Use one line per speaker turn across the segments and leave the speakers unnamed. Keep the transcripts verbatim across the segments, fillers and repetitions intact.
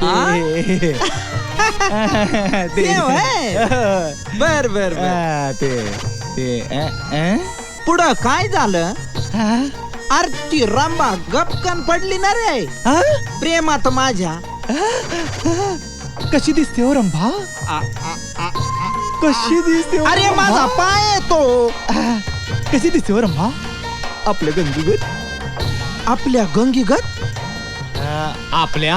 ते बर बर
ते ते
पुढं काय झालं? अरे ती रंबा गपकन पडली ना रे प्रेमात माझ्या.
कशी दिसते हो रंभा?
आ, आ, आ, आ,
कशी दिसते हो
अरे
रंभा?
माझा पाय आहे तो.
कशी दिसते हो रंभा? आपल्या गंगीगत.
आपल्या गंगीगत.
आपल्या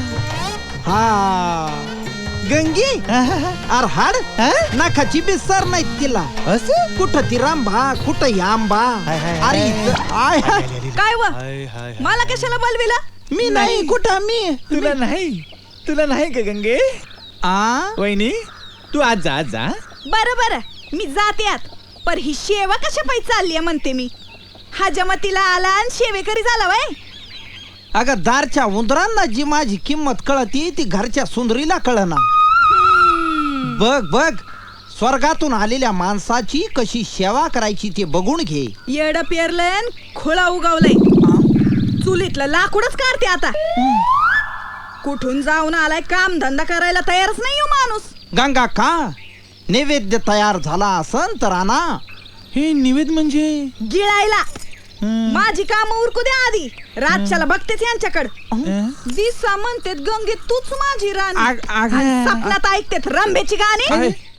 हा गंगी. अरे हाड नाकाची बिसर नाही तिला.
असं
कुठं ती रांबा कुठं आंबा.
हाय, हाय,
अरे
हाय.
इथं- आय हाय.
काय व मला कशाला बोलविला?
मी नाही कुठं मी
तुला नाही तुला नाही का गंगे?
आ
वहिनी तू आज जा आज जा.
बरं बरं मी जाते आत. पर ही शेवा कशा पायी चालली म्हणते मी. हा जमतीला आला आणि शेवेकरी झाला वय.
अगं दारच्या उंदरांना जी माझी किंमत कळती ती घरच्या सुंदरीला कळना. बघ बघ स्वर्गातून आलेल्या माणसाची कशी सेवा करायची ते बघून घे.
येड पेरलंय खोळा उगवलंय. चुलीतलं लाकूडच काढते आता. कुठून जाऊन आलाय काम धंदा करायला तयारच नाही हो माणूस.
गंगा का नैवेद्य तयार झाला असन तर आणा.
हे निवेद म्हणजे
गिळायला. माझी काम उरकू द्या आधी. रातच्याला बघतेच यांच्याकडं. दिसा म्हणतेत गंगे तूच माझी राणी.
आग- आग-
आणि सपनात ऐकतेत रंभेची गाणी.